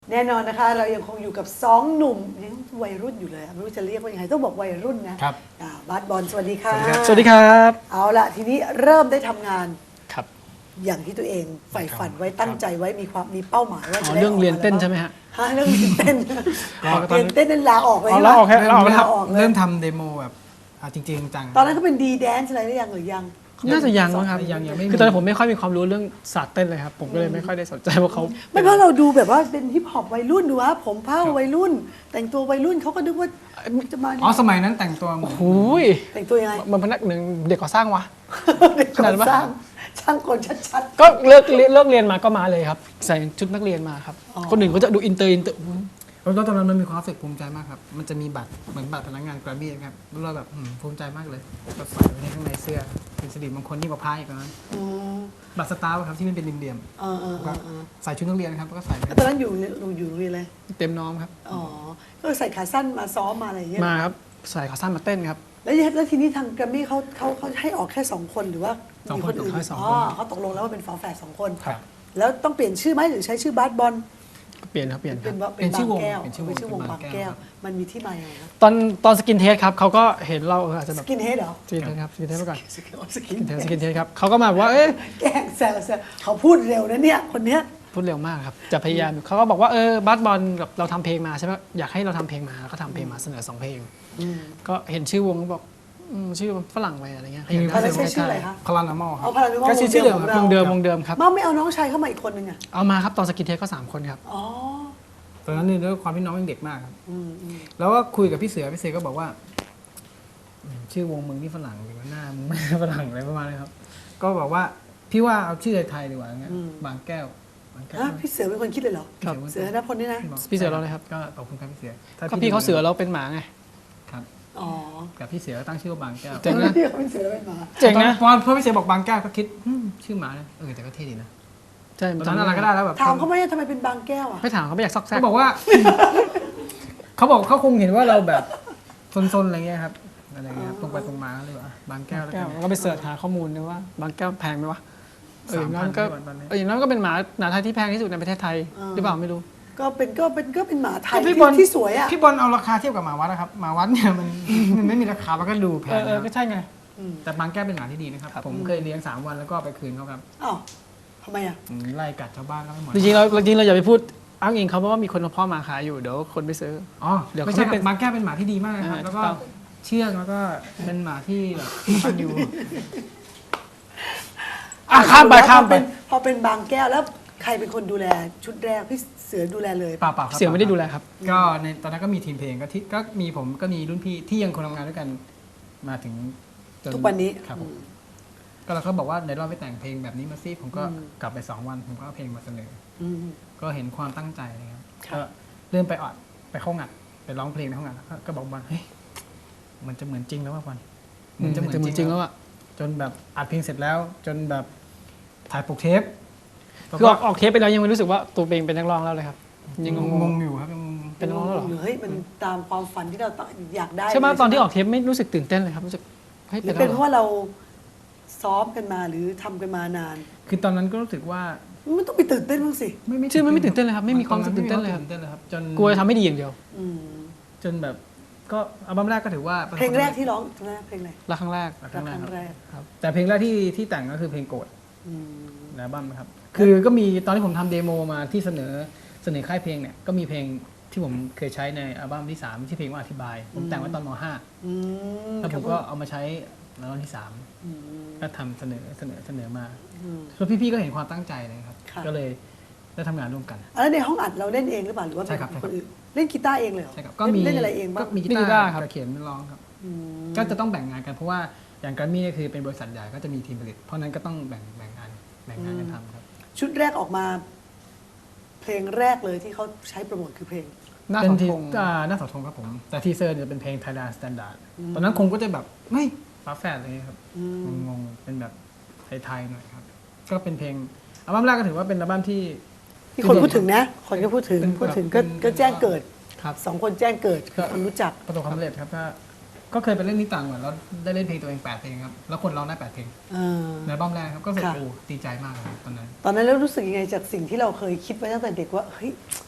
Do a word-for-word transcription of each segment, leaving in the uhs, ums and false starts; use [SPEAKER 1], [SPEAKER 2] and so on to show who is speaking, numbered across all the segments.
[SPEAKER 1] แน่นอนนะคะเรายังคงอยู่กับสองหนุ่มยังวัยรุ่นอยู่เลยไม่รู้จะเรียกว่ายังไงต้องบอกวัยรุ่นนะครับ อ่าบาสบอลสวัสดีค่ะ
[SPEAKER 2] สวัสดีครับ
[SPEAKER 1] เอาละทีนี้เริ่มได้ทำงาน
[SPEAKER 2] ครับ
[SPEAKER 1] อย่างที่ตัวเองใฝ่ฝันไว้ตั้งใจไว้มีความมีเป้าหมายว่า
[SPEAKER 2] อ๋
[SPEAKER 1] จะ
[SPEAKER 2] อ
[SPEAKER 1] ได้
[SPEAKER 2] เรื่องเรียนเต้น
[SPEAKER 1] กา
[SPEAKER 2] ใช่ไหมฮะ
[SPEAKER 1] ฮะเรื่องเรียนเต้น
[SPEAKER 3] ก็ตอน
[SPEAKER 1] เรียนเต้นนั้นลาออกเลย
[SPEAKER 2] อ๋อ
[SPEAKER 1] ใช่ไหม
[SPEAKER 2] ลาออกแค่ลาออกแล้วครับ
[SPEAKER 1] ลาออกเลย
[SPEAKER 3] เริ่มทำเดโมแบบอ่ะจริงๆจัง
[SPEAKER 1] ตอนนั้นก็เป็นดีแดนซ์อะไรหรือยังหรือยัง
[SPEAKER 2] น่าจะยังมั้งครับ
[SPEAKER 3] ยังยังไม่มี
[SPEAKER 2] คือตอนนั้นผมไม่ค่อยมีความรู้เรื่องศาสตร์เต้นเลยครับ ผมก็เลยไม่ค่อยได้สนใจว่าเขา
[SPEAKER 1] ไม่เพราะเราดูแบบว่าเป็นฮิปฮอปวัยรุ่นดูว่าผมเผ้าวัยรุ่น แต่งตัววัยรุ่นเขาก็นึกว่าจะมา
[SPEAKER 3] อ๋อสมัยนั้นแต่งตัวเหมือน
[SPEAKER 2] หูย
[SPEAKER 1] แต่งตัวยังไง
[SPEAKER 2] มันพนักหนึ่งเด็กก่อสร้างวะ
[SPEAKER 1] เด็ก
[SPEAKER 2] ขนาด
[SPEAKER 1] ก่อ
[SPEAKER 2] นั้นปะ
[SPEAKER 1] สร้างช่างกลชัด
[SPEAKER 2] ก็เลิกเรียนเลิกเรียนมาก็มาเลยครับ ใส่ชุดนักเรียนมาครับ
[SPEAKER 1] อ๋อ
[SPEAKER 2] คนอื่นเขาจะดูอินเตอร์อินเตอร์
[SPEAKER 3] แล้วตอนนั้นมันมีความรู้สึกภูมิใจมากครับ มันจะมีบัตรเหมือนบัตรพนักงานแกรมมี่ครับแล้วเราแบบอืมภูมิใจมากเลยก็ใส่ไว้ในข้างในเสื้อเป็นสิริมงคลยิ่งกว่าพายอีกนะ
[SPEAKER 1] ๆอืม
[SPEAKER 3] บัตรสตาร์ครับที่มันเป็นเหลี่ยม
[SPEAKER 1] เออเออ
[SPEAKER 3] ๆ
[SPEAKER 1] เอ
[SPEAKER 3] ก็
[SPEAKER 1] อเออ
[SPEAKER 3] ใส่ชุดนักเรียนครับแล้วก็ใส่ไป
[SPEAKER 1] แล้วตอนนั้นอยู่อยู่อยู่โรงเรียนอะไร
[SPEAKER 2] เต็มน้อมครับ
[SPEAKER 1] อ๋อก็ใส่ขาสั้นมาซ้อมมาอะไรอย่างเงี้ย
[SPEAKER 2] มาครับใส่ขาสั้นมาเต้นครับ
[SPEAKER 1] แล้วแล้วทีนี้ทางแกรมมี่เขาเขาเขาให้ออกแค่สองคนหรือว่ามีคนอื่น
[SPEAKER 2] ให้สอง
[SPEAKER 1] อ๋
[SPEAKER 2] คน
[SPEAKER 1] อเขาตกลงแล้วว่าเป็นฝาแฝดสองคน
[SPEAKER 3] ครับ
[SPEAKER 1] แล้วต้องเปลี่ยนชื่อไหมหรือใช้ชื่อบาสบอล
[SPEAKER 2] เปลี่ยนครับเปลี่ยนค
[SPEAKER 1] เป็
[SPEAKER 2] รั
[SPEAKER 1] น
[SPEAKER 2] บ
[SPEAKER 1] ว่าเป็นบางแก้วเป็นชื่อวงบางแก้ว มันมีที่มาอย่างไรครับ
[SPEAKER 2] ตอนตอนสกินเทสครับเขาก็เห็นเราเอออาจจะ
[SPEAKER 1] ส
[SPEAKER 2] แบบ
[SPEAKER 1] กินเฮดเหรอ
[SPEAKER 2] สกินเทสครับสกินเทสไปก่อน
[SPEAKER 1] สกินสกิน
[SPEAKER 2] สกินเทสสกินเทสครับเขาก็มาบอกว่าเอ๊ะ
[SPEAKER 1] แกล้งแซวแซวเขาพูดเร็วนะเนี่ยคนเนี้ย
[SPEAKER 2] พูดเร็วมากครับ จะพยายามเขาก็บอกว่าเออบัสบอลกับเราทำเพลงมาใช่ไหมอยากให้เราทำเพลงมาก็ทำเพลงมาเสนอสองเพลง ก็เห็นชื่อวงก็บอกอืมชื่อฝรั่งไปอะไรเงี้ย
[SPEAKER 1] ตอนนั้นใช้ชื่ออะไรคะ
[SPEAKER 3] พลานามอลครั
[SPEAKER 1] เอา
[SPEAKER 3] บ
[SPEAKER 1] พาราโนมอล
[SPEAKER 3] ก็ชื่อชื่อเดิม
[SPEAKER 1] ของ
[SPEAKER 3] ครั
[SPEAKER 1] เรา
[SPEAKER 2] วงเดิมวงเดิมครับ
[SPEAKER 1] มาไม่เอาน้องชายเข้ามาอีกคนนึงอ่ะ
[SPEAKER 2] เอามาครับตอนสกินเทสก็สามคนครับ
[SPEAKER 1] อ๋อ
[SPEAKER 3] ตอนนั้นเนี่ยด้วยความที่น้องยังเด็กมากครับ
[SPEAKER 1] อืมอืม
[SPEAKER 3] แล้วก็คุยกับพี่เสือพี่เสือก็บอกว่าอืมชื่อวงมึงนี่ฝรั่งดีกว่าหน้ามึงไม่ฝรั่งอะไรประมาณนี้ครับ ก็บอกว่าพี่ว่าเอาชื่อไทยดีกว่าอย่างเงี้ยบางแก้วบางแก้ว
[SPEAKER 1] ฮะพี่เสือเป็นคนคิดเลยเหรอ
[SPEAKER 2] ครับ
[SPEAKER 1] เสือนะพลนี่นะ
[SPEAKER 2] พี่เสือเราเลยครับ
[SPEAKER 3] ก็ขอบคุณครับพี่เสือถ้
[SPEAKER 2] ก็พี่เขาเสือเราเป็นหมาไง
[SPEAKER 3] ครับ
[SPEAKER 1] อ๋อ
[SPEAKER 3] กับพี่เสือก็ตั้งชื่อว่าบางแก้ว
[SPEAKER 2] เจ๋งนะ
[SPEAKER 1] พี่เขาเป็นเสือเป็นหมา
[SPEAKER 2] เจ๋งนะ
[SPEAKER 3] ตอนพอพี่เสือบอกบางแก้วก็คิดอืมชื่อหมานะเออแต่ก็เท่ดีนะ
[SPEAKER 2] ใช่
[SPEAKER 3] ตอนนั้นอะไรก็ได้แล้วแบบ
[SPEAKER 1] ถามเขาไหมทำไมเป็นบางแก้วอ่ะ
[SPEAKER 2] ไม่ถามเขาไม่อยากซอกแซก
[SPEAKER 3] เขาบอกว่า เขาบอกเขาคงเห็นว่าเราแบบซนๆอะไรเงี้ยครับอะไรเงี้ยตรงไปตรงมาเลยว่าบางแก้วแล้ว
[SPEAKER 2] แก้
[SPEAKER 3] กั
[SPEAKER 2] วน ก็ไปเสิร์ชหาข้อมูลนะว่า บางแก้วแพงไหมวะเอออย่างนั้นก็
[SPEAKER 3] สามพันตอนนี้
[SPEAKER 2] เอออย่างนั้นก็เป็นหมาหมาไทยที่แพงที่สุดในประเทศไทยหรือเปล่าไม่รู้
[SPEAKER 1] ก็เป็นก็เป็นก็เป็นหมาไทย
[SPEAKER 3] พี่
[SPEAKER 1] ที่
[SPEAKER 3] บอล
[SPEAKER 1] ที่สวยอ่ะ
[SPEAKER 3] พี่บอลเอาราคาเทียบกับหมาวัดนะครับหมาวัดเนี่ยมัน มันไม่มีราคามันก็ดูแพ
[SPEAKER 2] เอง อเออ
[SPEAKER 3] นะค
[SPEAKER 2] ก็
[SPEAKER 3] รับ
[SPEAKER 2] ใช่ไง
[SPEAKER 3] แต่บางแก้วเป็นหมาที่ดีนะครับผมเคยเลี้ยงสามวันแล้วก็เอาไปคืนเขาครับ
[SPEAKER 1] อ้าวทำไมอ่ะ
[SPEAKER 3] อืมไล่กัดชาวบ้านแล้วไม่หมด
[SPEAKER 2] จริงๆเราจริงๆเราอย่าไปพูดอ้างอิงเขาเพราะว่ามีคนเอาพ่อหมาขายอยู่เดี๋ยวคนไปซื้อ
[SPEAKER 3] อ๋อ
[SPEAKER 2] เดี๋ยว
[SPEAKER 3] ไม่ใช่
[SPEAKER 2] เขาไม่
[SPEAKER 3] ค
[SPEAKER 2] เป็
[SPEAKER 3] รับ
[SPEAKER 2] น
[SPEAKER 3] บางแก้วเป็นหมาที่ดีมากนะครับ
[SPEAKER 2] อ่า
[SPEAKER 3] แล้วก็
[SPEAKER 2] ถูกต้อง
[SPEAKER 3] เชื่องแล้วก็เป็นหมาที่แบบฟันอยู่
[SPEAKER 2] อ่ะข้ามไปข้ามไป
[SPEAKER 1] พอเป็นพอเป็นบางแก้วแล้วใครเป็นคนดูแลชุดแรกพี่เสือดูแลเลย
[SPEAKER 3] เปล่าเปล่าครับ
[SPEAKER 2] เสียงไม่ได้ดูแลครับ
[SPEAKER 3] ก็ในตอนนั้นก็มีทีมเพลงก็ที่ก็มีผมก็มีรุ่นพี่ที่ยังคงทำงานด้วยกันมาถึงจ
[SPEAKER 1] ทุกวันนี้
[SPEAKER 3] ครับผมก็เราก็บอกว่าในรอบไปแต่งเพลงแบบนี้มาสิผมก็กลับไปสองวันผมก็เอาเพลงมาเสนอ
[SPEAKER 1] อืม
[SPEAKER 3] ก็เห็นความตั้งใจนะครับ
[SPEAKER 1] ครับ
[SPEAKER 3] ก็เริ่มไปออดไปเข้างัดไปร้องเพลงในห้องงัดแล้วก็ก็บอกบอลเฮ้ยมันจะเหมือนจริงแล้วว่าบอล
[SPEAKER 2] อืมจะเหมือนจริงแล้วอะ
[SPEAKER 3] จนแบบอัดเพลงเสร็จแล้ว จนแบบถ่ายปกเทป
[SPEAKER 2] คือออกออกเทปไปแล้วยังไม่รู้สึกว่าตัวเองเป็นนักร้องแล้วเลยครับยังง
[SPEAKER 3] ง
[SPEAKER 2] ง
[SPEAKER 3] งอยู่ครับยังงง
[SPEAKER 2] ๆเป็นนักร้องแล้วเหรอ
[SPEAKER 1] เฮ้ยมันตามความฝันที่เราต้องอยากได้
[SPEAKER 2] ใช่ไหม
[SPEAKER 1] เลย
[SPEAKER 2] ตอนที่ออกเทปไม่รู้สึกตื่นเต้นเลยครับรู้สึกเฮ้ย
[SPEAKER 1] หรื
[SPEAKER 2] เป็
[SPEAKER 1] อน
[SPEAKER 2] แล้ว
[SPEAKER 1] เป็น
[SPEAKER 2] เหรอ
[SPEAKER 1] เพราะว่าเราซ้อมกันมาหรือทำกันมานาน
[SPEAKER 3] คือตอนนั้นก็รู้สึกว่า
[SPEAKER 1] มันต้องไปตื่นเต้นบ้างสิ
[SPEAKER 3] ไม่ไม่
[SPEAKER 2] ชื่อมันไม่ตื่นเต้นเลยครับไม่มีความรู้สึกตื่นเต้นเลย
[SPEAKER 3] ไม่
[SPEAKER 2] ค
[SPEAKER 3] มี
[SPEAKER 2] รับ
[SPEAKER 3] วามตื่นเต้นเลยครับจน
[SPEAKER 2] กลัวจะทำไม่ดีอย่างเดียว
[SPEAKER 1] อืม
[SPEAKER 3] จนแบบก็อัลบั้มแรกก็ถือว่าประสบ
[SPEAKER 1] เพลงแรกที่ร้องเพลงแรกเพลงอะไร
[SPEAKER 2] รักครั้งแรก
[SPEAKER 3] ค
[SPEAKER 1] รั
[SPEAKER 3] รั้
[SPEAKER 1] ก
[SPEAKER 3] งแร
[SPEAKER 1] ค
[SPEAKER 3] ก
[SPEAKER 1] รั้ง
[SPEAKER 3] ครับ
[SPEAKER 1] แรก
[SPEAKER 2] ครับ
[SPEAKER 3] แต่เพลงแรกที่ที่แต่งก็คือเพลงโกรธ
[SPEAKER 1] อืม
[SPEAKER 3] ในอัลบั้มนะครับ คือก็มีตอนที่ผมทำเดโมมาที่เสนอเสนอค่ายเพลงเนี่ยก็มีเพลงที่ผมเคยใช้ในอัลบั้มที่สามที่เพลงว่าอธิบาย ผมแต่งไว้ตอนม .ห้า
[SPEAKER 1] อืม
[SPEAKER 3] แล้วผมก็เอามาใช้ในอัลบั้มที่สาม
[SPEAKER 1] อืม
[SPEAKER 3] ก็ทำเสนอเสนอเสนอมา
[SPEAKER 1] อืม
[SPEAKER 3] แล้วพี่ๆก็เห็นความตั้งใจเลยครับ
[SPEAKER 1] ค่ะ
[SPEAKER 3] ก็เลยได้ทำงานร่วมกัน
[SPEAKER 1] แล้วในห้องอัดเราเล่นเองหรือเปล่าหรือว่า
[SPEAKER 3] ใช่ครับ
[SPEAKER 1] เป็นคนอื่นเล่นกีตาร์เองเลยเหรอ
[SPEAKER 3] ใช่ครับก็มี
[SPEAKER 1] เล่นอะไรเองบ้าง
[SPEAKER 3] ก็มีกี
[SPEAKER 2] มีกี
[SPEAKER 3] ตา
[SPEAKER 2] ตาร์
[SPEAKER 3] ร์
[SPEAKER 2] ครับ
[SPEAKER 3] กับเขียนร้องครับ
[SPEAKER 1] อืม
[SPEAKER 3] ก็จะต้องแบ่งงานกันเพราะว่าอย่างแกรมมี่เนี่ยคือเป็นบริษัทใหญ่ก็จะมีทีมผลิต เพราะฉะนั้นก็ต้องแบ่งแบ่งงานแบ่งงานกันทำครับ
[SPEAKER 1] ชุดแรกออกมา เพลงแรกเลยที่เขาใช้โปรโมทคือเพลง
[SPEAKER 2] หน้า
[SPEAKER 3] เป็
[SPEAKER 2] ข
[SPEAKER 3] น
[SPEAKER 2] อง
[SPEAKER 3] ที
[SPEAKER 2] ธง
[SPEAKER 3] อ่าหน้าเสาธงครับผม แต่ทีเซอร์เนี่ยเป็นเพลง Thailand Standard ตอนนั้นคงก็จะแบบไม่ฟ้าแฝดเลยครับ
[SPEAKER 1] อืม
[SPEAKER 3] งงๆเป็นแบบไทยๆหน่อยครับ ก็เป็นเพลงอัลบั้มแรกก็ถือว่าเป็นอัลบั้มที่
[SPEAKER 1] ที่คนพูดถึงนะ คนก็พูดถึง
[SPEAKER 3] เป็น
[SPEAKER 1] พูดถึงก็
[SPEAKER 3] เป็น
[SPEAKER 1] ก็แจ้งเกิด
[SPEAKER 3] ครับ
[SPEAKER 1] สองคนแจ้งเกิดคือคนรู้จัก
[SPEAKER 3] ประสบความสำเร็จครับก็ก็เคยไปเล่นที่ต่างจังหวัดแล้วได้เล่นเพลงตัวเองแปดเพลงครับแล้วคนร้องได้แปดเพลง
[SPEAKER 1] เออ
[SPEAKER 3] ในอัลบั้มแรกครับก็รู้สึก
[SPEAKER 1] ค่ะ
[SPEAKER 3] โอ้ดีใจมากเลยตอนนั้น
[SPEAKER 1] ตอนนั้นแล้วรู้สึกยังไงจากสิ่งที่เราเคยคิดไว้ตั้งแต่เด็กว่าเฮ้ย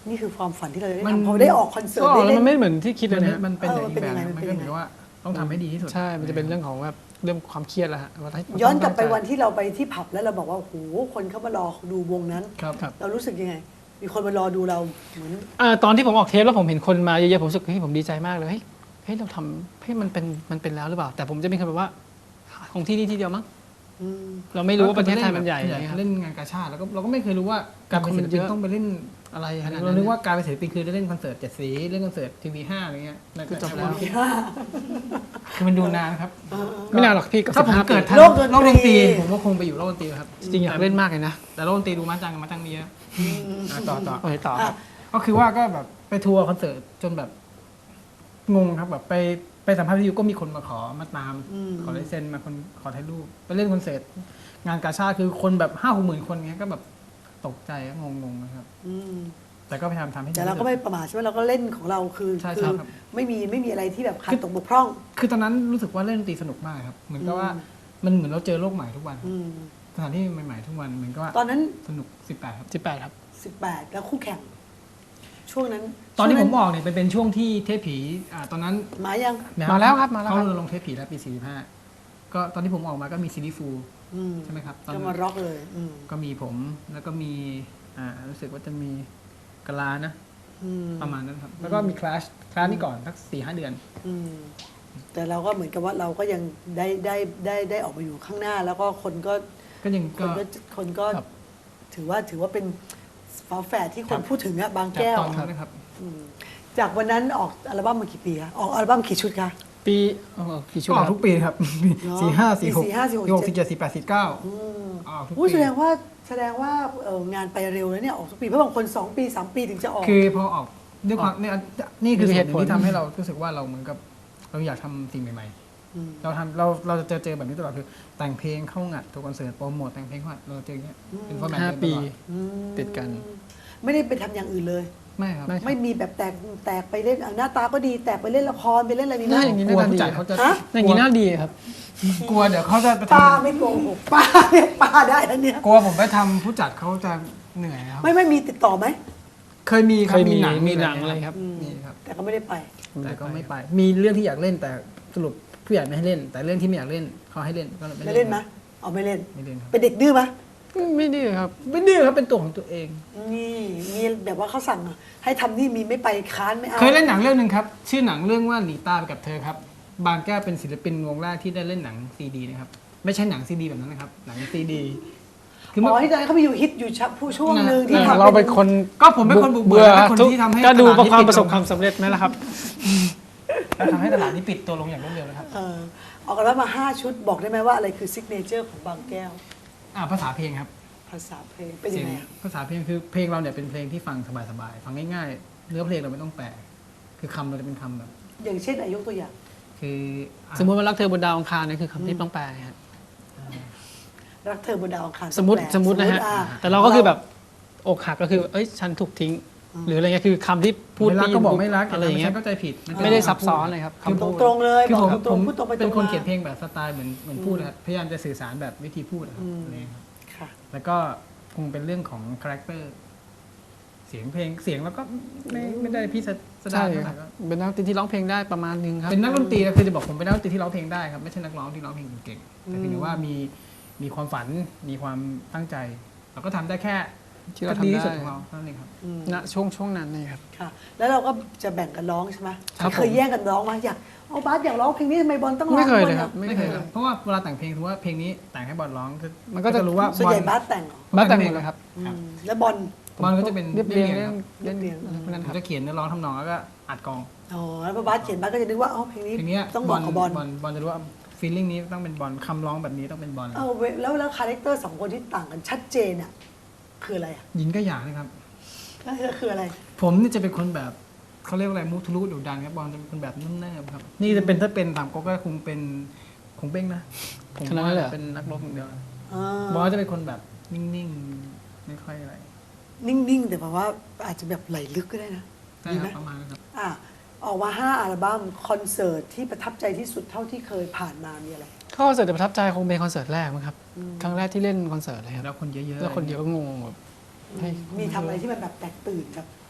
[SPEAKER 1] นี่คือความฝันที่เราได้
[SPEAKER 3] มัน
[SPEAKER 1] ทำพอได้ออกคอนเสิร์
[SPEAKER 2] ก็
[SPEAKER 1] ต
[SPEAKER 2] ออก
[SPEAKER 1] ได้
[SPEAKER 2] แล้ว
[SPEAKER 1] เล่
[SPEAKER 2] มัน
[SPEAKER 1] น
[SPEAKER 2] ไม่เหมือนที่คิดเล
[SPEAKER 3] มั
[SPEAKER 2] ย
[SPEAKER 3] น
[SPEAKER 2] นะ
[SPEAKER 3] มันเป็นอย่าง
[SPEAKER 1] เออเป็น
[SPEAKER 3] แบ
[SPEAKER 1] ยัง
[SPEAKER 3] บ
[SPEAKER 1] ไง
[SPEAKER 3] มัน
[SPEAKER 1] มันเป็น
[SPEAKER 3] ก็
[SPEAKER 1] ยัง
[SPEAKER 3] เห
[SPEAKER 1] ไง
[SPEAKER 3] มือนว่าต้องทำให้ดีที่สุด
[SPEAKER 2] ใช่ มันจะเป็นเรื่องของแบบเรื่องความเครียดแล้วฮะว่าถ้า
[SPEAKER 1] ย้อนกลับไป
[SPEAKER 2] ต้ง
[SPEAKER 1] วันที่เราไปที่ผับแล้วเราบอกว่าโอ้โหคนเข้ามารอดูวงนั้น
[SPEAKER 3] ครับ
[SPEAKER 2] ครับ
[SPEAKER 1] เรารู้สึกยังไง มีคนมารอดูเราเหมือน
[SPEAKER 2] อ่าตอนที่ผมออกเทปแล้วผมเห็นคนมาเยอะๆผมรู้สึกเฮ้ยผมดีใจมากเลยเฮ้ยเฮ้ยเราทำเฮ้ยมันเป็นมันเป็นแล้วหรือเปล่า แต่ผมจะมีคำแบบว่าของที่นี่ที่เดียวมั้ง
[SPEAKER 1] อืม
[SPEAKER 2] เราไม่รู้ว่าประเทศไทยมันใหญ่อย่างเงี้ยครับ
[SPEAKER 3] เล่นงานกาชาติแล้วก็เราก็ไม่เคยรู้ว่าการเป็นศิลปินต้องไปเล่น
[SPEAKER 2] อะไรขนาด
[SPEAKER 3] เรา
[SPEAKER 2] นั้น
[SPEAKER 3] นึกว่าการเป็นศิลปินคือได้เล่นคอนเสิร์ตเจ็ดสีเล่นคอนเสิร์ตทีวีห้าอะไรเงี้ย
[SPEAKER 2] คือจบแล้ว
[SPEAKER 3] คือมันดูนานครับ
[SPEAKER 2] ไม่นานหรอกพี่กับ
[SPEAKER 3] ถ้าผม
[SPEAKER 2] สิบห้
[SPEAKER 3] เกิดทัน
[SPEAKER 1] โลกดนตรี
[SPEAKER 3] โลกดนตรีผมก็คงไปอยู่โลกดนตรีครับ
[SPEAKER 2] จริงๆอยากเล่นมากเลยนะ
[SPEAKER 3] แต่โลกดนตรีดูมาจังมาจังมีเยอะอ่ะต่อต่อ
[SPEAKER 2] โอเคต่อครับ
[SPEAKER 3] ก็คือว่าก็แบบไปทัวร์คอนเสิร์ตจนแบบงงครับแบบไปไปสัมภาษณ์วิทยุก็มีคนมาขอมาตาม
[SPEAKER 1] อืม
[SPEAKER 3] ขอลายเซ็นมาคนขอถ่ายรูปไปเล่นคอนเสิร์ตงานกาชาติคือคนแบบห้าหกหมื่นคนเงี้ยก็แบบตกใจงงงๆนะครับ
[SPEAKER 1] อืม
[SPEAKER 3] แต่ก็พยายามทำให้ดี
[SPEAKER 1] แต่เราก็ไม่ประมาทใช่ไหมเราก็เล่นของเราคือ
[SPEAKER 3] ใช่
[SPEAKER 1] คื
[SPEAKER 3] ใช่
[SPEAKER 1] อ
[SPEAKER 3] ครับ
[SPEAKER 1] ไม่มีไม่มีอะไรที่แบบขาดตกบกพร่อง
[SPEAKER 3] คือตอนนั้นรู้สึกว่าเล่นดนตรีสนุกมากครับ เหมือนกับว่ามันเหมือนเราเจอโลกใหม่ทุกวัน
[SPEAKER 1] อืม
[SPEAKER 3] สถานที่ใหม่ๆทุกวันเหมือนกับว่า
[SPEAKER 1] ตอนนั้น
[SPEAKER 3] สนุกสิบแปดครับ
[SPEAKER 2] สิบแปดครับ
[SPEAKER 1] สิบแปดแล้วคู่แข่ง ช่วงนั้น
[SPEAKER 3] ตอนที่
[SPEAKER 1] ช่
[SPEAKER 3] ผ
[SPEAKER 1] วง
[SPEAKER 3] มออกเนี่ยเป็นเป็นช่วงที่เทพผีอ่าตอนนั้น
[SPEAKER 1] มายัง
[SPEAKER 2] มาแล้วครับมาแล้วครับ
[SPEAKER 3] เขาลงเทปผีแล้วปีสี่สิบห้าก็ตอนที่ผมออกมาก็มีซีรีส์ฟู
[SPEAKER 1] อืม
[SPEAKER 3] ใช่ไหมครับตอน
[SPEAKER 1] ก็
[SPEAKER 3] นั้น
[SPEAKER 1] มาร็อกเลย อืม
[SPEAKER 3] ก็มีผมแล้วก็มีอ่ารู้สึกว่าจะมีกะลานะ
[SPEAKER 1] อืม
[SPEAKER 3] ประมาณนั้นครับ แล้วก็มีคลาสคลาสนี่ก่อนสักสี่ห้าเดือน
[SPEAKER 1] อืมแต่เราก็เหมือนกับว่าเราก็ยังได้ได้ได้ได้ออกมาอยู่ข้างหน้า แล้วก็คนก็
[SPEAKER 3] ก็ยัง
[SPEAKER 1] ค
[SPEAKER 3] ก็
[SPEAKER 1] นก็คนก็
[SPEAKER 3] ครับ
[SPEAKER 1] ถือว่าถือว่าเป็นฝาแฝดที่ค
[SPEAKER 3] ครั
[SPEAKER 1] น
[SPEAKER 3] บ
[SPEAKER 1] พูดถึงอะบาง
[SPEAKER 3] จาก
[SPEAKER 1] แก้ว
[SPEAKER 3] ตอนนั้นนะครับ
[SPEAKER 1] อืมจากวันนั้นออกอัลบั้มมากี่ปีคะออกอัลบั้มกี่ชุดคะ
[SPEAKER 2] ปีเอ๋อกี่ชุด
[SPEAKER 3] ก็อ
[SPEAKER 2] ค
[SPEAKER 3] อก
[SPEAKER 2] รับ
[SPEAKER 3] ทุกปีครับ
[SPEAKER 1] เนอะ
[SPEAKER 3] สี่ห้าสี่หก
[SPEAKER 1] สี่ห้าสี่หก
[SPEAKER 3] หกสี่เจ็ดสี่แปดสี่เก้า
[SPEAKER 1] อืม
[SPEAKER 3] ออกทุก
[SPEAKER 1] อุ้ย
[SPEAKER 3] ปี
[SPEAKER 1] แสดงว่าแสดงว่าเอ่องานไปเร็วแล้วเนี่ยออกทุกปีเพราะบางคนสองปีสามปีถึงจะออก
[SPEAKER 3] คือพอออกด้วยความเนี่ยนี่คือ
[SPEAKER 2] มี
[SPEAKER 3] เห
[SPEAKER 2] เห
[SPEAKER 3] ตุ
[SPEAKER 2] ตุ
[SPEAKER 3] ผ
[SPEAKER 2] ผ
[SPEAKER 3] ล
[SPEAKER 2] ล
[SPEAKER 3] ที่ทำให้เรารู้สึกว่าเราเหมือนกับเราอยากทำสิ่งใหม่
[SPEAKER 1] อืม
[SPEAKER 3] ๆ เราทำเราเราจะเจอเจอแบบนี้ตลอดคือแต่งเพลงเข้างัดตัวคอนเสิร์ตโปรโมทแต่งเพลงเข้างัดเราเจออย่างเงี้ยเป็นฟอร์แมต
[SPEAKER 2] ห้า
[SPEAKER 3] เดิมต
[SPEAKER 2] ปี
[SPEAKER 3] ลอด
[SPEAKER 1] อืม
[SPEAKER 2] ติดกัน
[SPEAKER 1] ไม่ได้ไปทำอย่างอื่นเลย
[SPEAKER 3] ไม่ครับ
[SPEAKER 2] ไม่
[SPEAKER 1] ไม่มีแบบแตกแตกไปเล่นอ่ะหน้าตาก็ดีแตกไปเล่นละครไปเล่นอะไรมีไหม
[SPEAKER 2] น่าอย่างนี้
[SPEAKER 3] กลัว
[SPEAKER 2] น่า
[SPEAKER 3] ผู้
[SPEAKER 2] ดี
[SPEAKER 3] จัดเขาจะ
[SPEAKER 1] ฮะ
[SPEAKER 2] อย่างนี้น่าดีครับ
[SPEAKER 3] กลัวเดี๋ยวเขาจะไปท
[SPEAKER 1] ป้าไม่โกหกป้าเนี่ยป้าได้แล้วเนี่ย
[SPEAKER 3] ำกลัวผมไปทำผู้จัดเขาจะเหนื่อยครับ
[SPEAKER 1] ไม่ไม่มีติดต่อไหม
[SPEAKER 3] เคยมีค
[SPEAKER 2] เครับ ยมี
[SPEAKER 3] มีหนัง
[SPEAKER 2] มีหนังอะไรครับ
[SPEAKER 1] อืม
[SPEAKER 3] มีครับ
[SPEAKER 1] แต่ก็ไม่ได้ไป
[SPEAKER 3] แต่ก็ไม่ไป มีเรื่องที่อยากเล่นแต่สรุปผู้ใหญ่ไม่ให้เล่น แต่เรื่องที่ไม่อยากเล่นเขาให้เล่นก็เลย
[SPEAKER 1] ไม่เล่นไหมเอาไม่เล่น
[SPEAKER 3] ไม่เล่นครับ
[SPEAKER 1] เป็นเด็กดื้อไหม
[SPEAKER 2] ไม่ดีครับ
[SPEAKER 3] ไม่ดื้อครับเป็นตัวของตัวเอง
[SPEAKER 1] นี่มีแบบว่าเขาสั่งอ่ะให้ทำนี่มีไม่ไปค้านไม่เอา
[SPEAKER 3] เคยเล่นหนังเรื่องหนึ่งครับ ชื่อหนังเรื่องว่าหนีตายไปกับเธอครับ บางแก้วเป็นศิลปินวงแรกที่ได้เล่นหนังซีดีนะครับ ไม่ใช่หนังซีดีแบบนั้นนะครับ หนังซีดีคือ
[SPEAKER 1] อ๋
[SPEAKER 3] เมื่อ
[SPEAKER 1] อที่ตอนนั้นเขาไปอยู่ฮิตอยู่ชับผู้ช่วงหนึ่งที่
[SPEAKER 2] เออ
[SPEAKER 1] ทำ
[SPEAKER 2] เราเป็นคน
[SPEAKER 3] ก็ผมเป็นคนบุกเบิกและเป็นคนที่ทำให้
[SPEAKER 2] ก็ดู
[SPEAKER 3] ตลาด
[SPEAKER 2] ประความ
[SPEAKER 3] นี้ปิด
[SPEAKER 2] ประสบ
[SPEAKER 3] ลง
[SPEAKER 2] ความสำเร็จไหมล่ะครับ
[SPEAKER 3] แล้วทำให้ตลาดนี้ปิดตัวลงอย่างรวดเร็วนะครับ
[SPEAKER 1] เออออกกันแล้วมาห้าชุดบอกได้ไหมว่าอะไรคือซิกเนเจอร์ของบางแก้ว
[SPEAKER 3] อ่าภาษาเพลงครับ
[SPEAKER 1] ภาษาเพลงเป็นยังไงอะ
[SPEAKER 3] ภาษาเพลงคือเพลงเราเนี่ยเป็นเพลงที่ฟังสบายๆฟังง่ายๆเนื้อเพลงเราไม่ต้องแปลคือคำเราจะเป็นคำแบบ
[SPEAKER 1] อย่างเช่นอายุตัวอย่าง
[SPEAKER 3] คืออ่ะ
[SPEAKER 2] สมมติว่ารักเธอบนดาวอังคารนี่คือคำที่ต้องแปลครับ
[SPEAKER 1] รักเธอบนดาวอังคาร
[SPEAKER 2] สมมติ
[SPEAKER 1] แปล
[SPEAKER 2] สมมตินะฮะ
[SPEAKER 1] อ่
[SPEAKER 2] แต่เราก็คือแบบอกหักก็คือเอ้ยฉันถูกทิ้ง หรืออะไรเงี้ยคือคำที่พูด
[SPEAKER 3] ไม่รักก็บอกไม่รัก
[SPEAKER 2] อะไรอย่างเงี้ย
[SPEAKER 3] ม่ใช่เข้าใจผิดนเป็น
[SPEAKER 2] ไม่ได้
[SPEAKER 3] คำ
[SPEAKER 2] ซับซ้อน
[SPEAKER 3] พูด
[SPEAKER 2] เลยครับ
[SPEAKER 3] คือ
[SPEAKER 2] คำพูด
[SPEAKER 1] ตรงๆเลย
[SPEAKER 3] คือผม
[SPEAKER 1] บอกต
[SPEAKER 3] ผ
[SPEAKER 1] รง
[SPEAKER 3] ม
[SPEAKER 1] ๆพูดตรงไปตรงมา
[SPEAKER 3] เป็นคนเขียนเพลงแบบสไตล์เหมือนเหมือนพูดนะครับพยายามจะสื่อสารแบบวิธีพูดนะครับ
[SPEAKER 1] อืม
[SPEAKER 3] อะไรอย่างเงี้ยครับ
[SPEAKER 1] ค่ะ
[SPEAKER 3] แล้วก็คงเป็นเรื่องของคาแรคเตอร์เสียงเพลงเสียงแล้วก็ไม่ไม่ได้พี่สดา
[SPEAKER 2] ใช่
[SPEAKER 3] เท่า
[SPEAKER 2] ค
[SPEAKER 3] ไห
[SPEAKER 2] รั
[SPEAKER 3] ร่
[SPEAKER 2] บ
[SPEAKER 3] ก็
[SPEAKER 2] เป็นนักดนตรีที่ร้องเพลงได้ประมาณนึงครับ
[SPEAKER 3] เป็นนักดนตรีนะคือจะบอกผมเป็นนักดนตรีที่ร้องเพลงได้ครับไม่ใช่นักร้องที่ร้องเพลงเก่งๆแต่เพียงแต่ว่ามีมีความฝันมีความตั้งใจ เราก็ทำได้แค่
[SPEAKER 2] ที่เรา
[SPEAKER 3] ก็ดี
[SPEAKER 2] ทำ
[SPEAKER 3] ที่สุด
[SPEAKER 2] ได้
[SPEAKER 3] ของเราเท่านั้นเองครับ
[SPEAKER 1] อืม
[SPEAKER 2] ณช่วงช่วงนั้นเลยครับ
[SPEAKER 1] ค่ะ แล้วเราก็จะแบ่งกันร้องใช่ไหม
[SPEAKER 2] ครับ
[SPEAKER 1] เคยแย่งกันร้องไหมอยากเอาบาสอยากร้องเพลงนี้ทำไมบอลต้องร้อง
[SPEAKER 2] ไม่เคย
[SPEAKER 1] บอ
[SPEAKER 2] เลยครับ
[SPEAKER 1] อะ
[SPEAKER 2] ไม่เคย
[SPEAKER 3] ครับเพราะว่าเวลาแต่งเพลงถือว่าเพลงนี้แต่งให้บอลร้องคือ
[SPEAKER 2] มันก็จะ
[SPEAKER 3] รู้ว่า
[SPEAKER 1] ส่วนใหญ่
[SPEAKER 3] บ
[SPEAKER 1] บา
[SPEAKER 3] อล
[SPEAKER 1] สแต่งเหรอ
[SPEAKER 2] มาแต่งหมดเลยครับ
[SPEAKER 1] อื
[SPEAKER 3] ครับ
[SPEAKER 1] มแล้วบอล
[SPEAKER 3] บอลก็จะเป็น
[SPEAKER 2] เรียบเรียง
[SPEAKER 3] ค
[SPEAKER 2] เล่น
[SPEAKER 3] รับ
[SPEAKER 2] เล่น
[SPEAKER 1] เรียบเรียง
[SPEAKER 2] อะไรพวกนั้น
[SPEAKER 3] ผ
[SPEAKER 2] ค
[SPEAKER 3] ม
[SPEAKER 2] รับ
[SPEAKER 3] จะเขียนเนื้อร้องทำนองแล้วก็อัดกอง
[SPEAKER 1] อ๋อแล้วพอบาสเขียนบาสก็จะนึกว่าอ๋อเพลงนี้
[SPEAKER 3] เพลงเนี้ย
[SPEAKER 1] ต้องเหมาะกับบอล
[SPEAKER 3] บอลบอลจะรู้ว่าฟีลลิ่งนี้ต้องเป็นบอลคำร้องแบบนี้ต้องเป็นบอล
[SPEAKER 1] เออเว้ยแล้วแล้วคาแรคเตอร์สองคนที่ต่างกันชัดเจนอ่ะคืออะไรอ่ะ
[SPEAKER 3] หญิงก็อย่างนะครับ
[SPEAKER 1] ก็คือคืออะไร
[SPEAKER 3] ผมนี่จะเป็นคนแบบเขาเรียกว่าอะไรมุทะลุดุดันครับบอลจะเป็นคนแบบนุ่มแนบครับนี่จะเป็นถ้าเป็นตามก็ก็คงเป็นคงเบ้งนะผม
[SPEAKER 2] ขนาดนั้นเลยเหรอ
[SPEAKER 3] เป็นนักรบอย่างเดียวนะ
[SPEAKER 1] อ่า
[SPEAKER 3] บอลจะเป็นคนแบบนิ่งๆไม่ค่อยอะไร
[SPEAKER 1] นิ่งๆ แต่แบบว่าอาจจะแบบไหลลึกก็ได้นะ
[SPEAKER 3] ใช่
[SPEAKER 1] ดี
[SPEAKER 3] ค
[SPEAKER 1] ไหม
[SPEAKER 3] รับประมาณนั้นครับ
[SPEAKER 1] อ่ะออกมาห้าอัลบั้มคอนเสิร์ตที่ประทับใจที่สุดเท่าที่เคยผ่านมามีอะไร
[SPEAKER 2] คอนเสิร์ตที่ประทับใจคงเป็นคอนเสิร์ตแรกมั้งครับครั้งแรกที่เล่นคอนเสิร์ตเลยครับ
[SPEAKER 3] แล้วคนเยอะๆ
[SPEAKER 2] แล้วคนเยอะก็งงแบบเฮ้ย
[SPEAKER 1] มีทำอะไรที่มันแบบแตกตื่นแบบ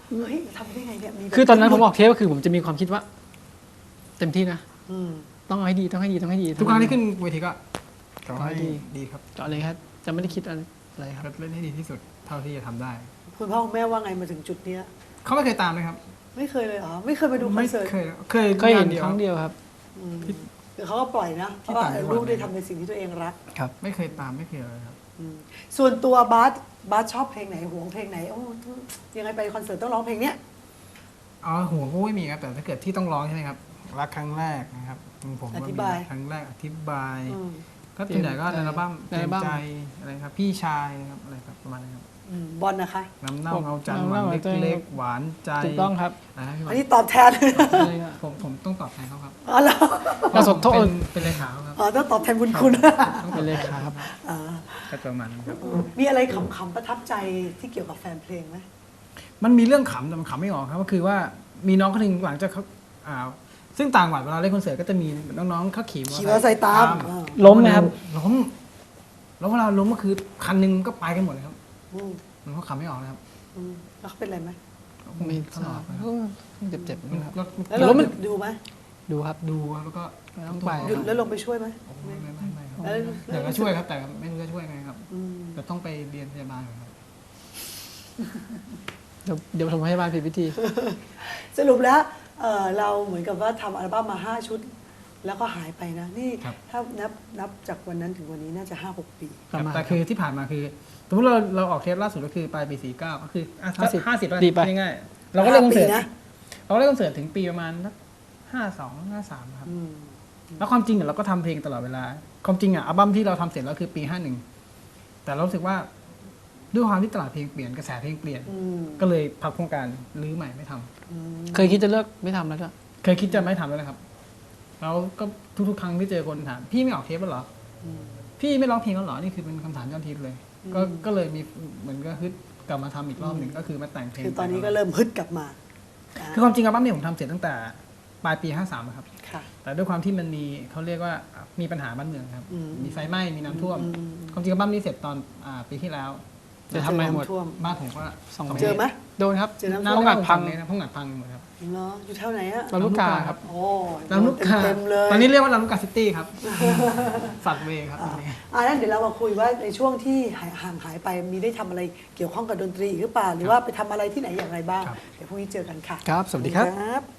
[SPEAKER 1] เฮ้ยทำได้ไงเนี่ยมีแบบ
[SPEAKER 2] คือตอนนั้นผมออกเทปก็คือผมจะมีความคิดว่า เต็มที่นะ
[SPEAKER 1] อืม
[SPEAKER 2] ต้องเอาให้ดีต้องให้ดีต้องให้ดี
[SPEAKER 3] ทุกครั้งที่ขึ้นเวทีก็ขอ
[SPEAKER 2] ขอให้
[SPEAKER 3] ให้
[SPEAKER 2] ดี
[SPEAKER 3] ดีครับ
[SPEAKER 2] เจาะเลยครับ จะไม่ได้คิดอะไรอะไรครับ
[SPEAKER 3] ก็เล่นให้ดีที่สุดเท่าที่จะทำได้
[SPEAKER 1] คุณพ่อคุณแม่ว่าไงมาถึงจุดเนี้ย
[SPEAKER 3] เขาไม่เคยตามเลยครับ
[SPEAKER 1] ไม่เคยเลยเหรอไม่เคยมาดูคอ
[SPEAKER 3] ไม่
[SPEAKER 1] นเสิร์ต
[SPEAKER 3] เคยเคย
[SPEAKER 2] เคยเห็น
[SPEAKER 3] งาดีว
[SPEAKER 2] ครั้งเดียวครับ
[SPEAKER 1] อืมเดี๋ยวเขาก็ปล่อยนะเพ
[SPEAKER 3] ที่
[SPEAKER 1] ราะว่า
[SPEAKER 3] ต่างจังหวัด
[SPEAKER 1] ลูกได้ทำในสิ่งที่ตัวเองรัก
[SPEAKER 2] ครับ
[SPEAKER 3] ไม่เคยตามไม่เคยอะไรครับ
[SPEAKER 1] อืมส่วนตัวบาสบาสชอบเพลงไหนหวงเพลงไหนโอ้ยังไงไปคอนเสิร์ตต้องร้องเพลงเนี้ย
[SPEAKER 3] อ๋อหัวก็ไม่มีครับแต่ถ้าเกิดที่ต้องร้องใช่ไหมครับรักครั้งแรกนะครับผมก็มีครั้งแรกอธิบาย
[SPEAKER 1] อืม
[SPEAKER 3] ก็ส่วนใหญ่ก็ในอัลบั้ม
[SPEAKER 2] ใน
[SPEAKER 3] เต็
[SPEAKER 2] อัล
[SPEAKER 3] ม
[SPEAKER 2] บั้ม
[SPEAKER 3] ใจอะไรครับพี่ชายนะครับอะไรครับประมาณนี้ครับ
[SPEAKER 1] อืมบอลนะคะ
[SPEAKER 3] น้ำเน่า
[SPEAKER 2] ผม
[SPEAKER 3] เงาจันทร์
[SPEAKER 2] น้ำ
[SPEAKER 3] หวา
[SPEAKER 2] เน่าน เงาจันทร์
[SPEAKER 3] เล็กๆหวานใจ
[SPEAKER 2] ถูกต้องครับ
[SPEAKER 3] อะไรนะพี่บอ
[SPEAKER 1] อั
[SPEAKER 3] ล
[SPEAKER 1] นนี้ตอบแทน
[SPEAKER 2] เลยอะ
[SPEAKER 3] ผมผมต้องตอบแทนเขาครับ
[SPEAKER 1] อ๋อเหรอ
[SPEAKER 2] ก็สดโทษ
[SPEAKER 3] เป็นเป็นเลขาเขาครับ
[SPEAKER 1] อ๋อต้องตอบแทนบุญคุณ
[SPEAKER 2] ต้องเป็นเลขาครับ
[SPEAKER 1] อ่า
[SPEAKER 3] ก็ประมาณนั้นครับ
[SPEAKER 1] มีอะไรขำๆประทับใจที่เกี่ยวกับแฟนเพลงไหม
[SPEAKER 3] มันมีเรื่องขำแต่มันขำไม่ออกครับก็คือว่ามีน้องคนหนึ่งหลังจากเขาอ่าซึ่งต่างจังหวัดเวลาเล่นคอนเสิร์ตก็จะมีน้องๆเขาขี่มอเตอร์
[SPEAKER 1] ขี่มอเตอร์ไซค์ตามอ่า
[SPEAKER 2] ล้มไหมครับ
[SPEAKER 3] ล้มแล้วเวลาล้มก็คือคันหนึงก็ไปกันหมดเลยครับ
[SPEAKER 1] อืม
[SPEAKER 3] มันก็ขำไม่ออกนะครับ
[SPEAKER 1] อืมแล้วเขาเป็นอะไรไหม
[SPEAKER 2] ไม่
[SPEAKER 3] ต
[SPEAKER 2] ท
[SPEAKER 3] ล
[SPEAKER 2] รา
[SPEAKER 3] อบ ดนะครับ
[SPEAKER 2] ก็เจ็บๆนะครับ
[SPEAKER 3] รถ
[SPEAKER 1] แล้วเรา
[SPEAKER 2] แล้วมัน
[SPEAKER 1] ดูไหม
[SPEAKER 2] ดูครับ
[SPEAKER 3] ดูครับแล้วก็
[SPEAKER 2] ต้องไป
[SPEAKER 1] หยุดแล้วลงไปช่วยไหม
[SPEAKER 3] โอ้ไม่ไม่ไม่ไม่ครับ
[SPEAKER 1] แล้ว
[SPEAKER 3] อยากจะช่วยครับแต่ไม่รู้จะช่วยไงครับ
[SPEAKER 1] อืม
[SPEAKER 3] แต่ต้องไปเรียนพยาบาลก่อนครับ
[SPEAKER 2] เดี๋ยวเดี๋ยวผมให้บ้านผิดวิธี
[SPEAKER 1] สรุปแล้วเอ่อเราเหมือนกับว่าทำอัลบั้มมาห้าชุด แล้วก็หายไปนะ นี่
[SPEAKER 3] ครับ
[SPEAKER 1] ถ้านับนับจากวันนั้นถึงวันนี้น่าจะห้าหกปี
[SPEAKER 2] ประมาณ
[SPEAKER 3] แต่คือที่ผ่านมาคือสมมติเราเราออกเทปล่าสุดก็คือปลายปีสี่เก้าก็คือห้าสิบห้าสิบ
[SPEAKER 2] ดีไป
[SPEAKER 3] ง่ายๆเราก็เล่นคอนเสิร์ต
[SPEAKER 1] ห้าปีนะ
[SPEAKER 3] เราก็เล่นคอนเสิร์ตถึงปีประมาณห้าสองห้าสามครับ
[SPEAKER 1] อืม
[SPEAKER 3] แล้วความจริงอะเราก็ทำเพลงตลอดเวลา ความจริงอะอัลบั้มที่เราทำเสร็จแล้วคือปีห้าหนึ่งแต่เรารู้สึกว่าด้วยความที่ตลาดเพลงเปลี่ยนกระแสเพลงเปลี่ยน
[SPEAKER 1] อืม
[SPEAKER 3] ก็เลยพับโครงการรื้อใหม่ไม่ทำ
[SPEAKER 1] อืม
[SPEAKER 2] เคยคิดจะเลิกไม่ทำแล้วด้วย
[SPEAKER 3] เคยคิดจะไม่ทำแล้วนะครับแล้วก็ทุกๆครั้งที่เจอคนถามพี่ไม่ออกเทปแล้วเหรอ
[SPEAKER 1] อืม
[SPEAKER 3] พี่ไม่ร้องเพลงแล้วเหรอนี่คือเป็นคำถามยอดฮิตเลย ก็
[SPEAKER 1] อืม
[SPEAKER 3] ก็เลยมีเหมือนก็ฮึดกลับมาทำอีกรอบหนึ่งก็คือมาแต่งเพลง
[SPEAKER 1] คือตอนนี้ก็เริ่มฮึดกลับมา
[SPEAKER 3] คือความจริงอัลบั้มเนี่ยผมทำเสร็จตั้งแต่ปลายปีห้าสามครับ
[SPEAKER 1] ค่ะ
[SPEAKER 3] แต่ด้วยความที่มันมีเขาเรียกว่ามีปัญหาบ้านเมืองครับ
[SPEAKER 1] อืม
[SPEAKER 3] มีไฟไหม้มีน้ำท่วม
[SPEAKER 1] อืม
[SPEAKER 3] ความจริงอัลบั้มนี้เสร็จตอนอ่าปีที่แล้ว
[SPEAKER 2] จะทำไมหมด
[SPEAKER 1] ท่วม
[SPEAKER 3] บ้านผมก็
[SPEAKER 2] สอง
[SPEAKER 3] สอง
[SPEAKER 2] เมตร
[SPEAKER 1] เจอไหม
[SPEAKER 2] โดนครับ
[SPEAKER 1] เจอน้ำท่วม
[SPEAKER 2] ห้องอัดพัง
[SPEAKER 3] ห้องอัดพังหมดครับ
[SPEAKER 1] เนาะอยู่แถวไหนอะ
[SPEAKER 2] ลำลูกกาครับ
[SPEAKER 1] โอ้
[SPEAKER 3] ลำลูกกา
[SPEAKER 1] เต็มๆเลย
[SPEAKER 3] ตอนนี้เรียกว่าลำลูกกาซิตี้ครับ สัตว์เวย์ครับต
[SPEAKER 1] อ่า
[SPEAKER 3] อนนี้
[SPEAKER 1] อ่านั้นเดี๋ยวเรามาคุยว่าในช่วงที่หายห่างหายไปมีได้ทำอะไรเกี่ยวข้องกับดนตรีอีกหรือเปล่าหรือว่าไปทำอะไรที่ไหนอย่างไรบ้าง
[SPEAKER 3] ครับ
[SPEAKER 1] เดี๋ยวพรุ่งนี้เจอกันค่ะ
[SPEAKER 2] ครับ สวัสดีครับ
[SPEAKER 1] ครับ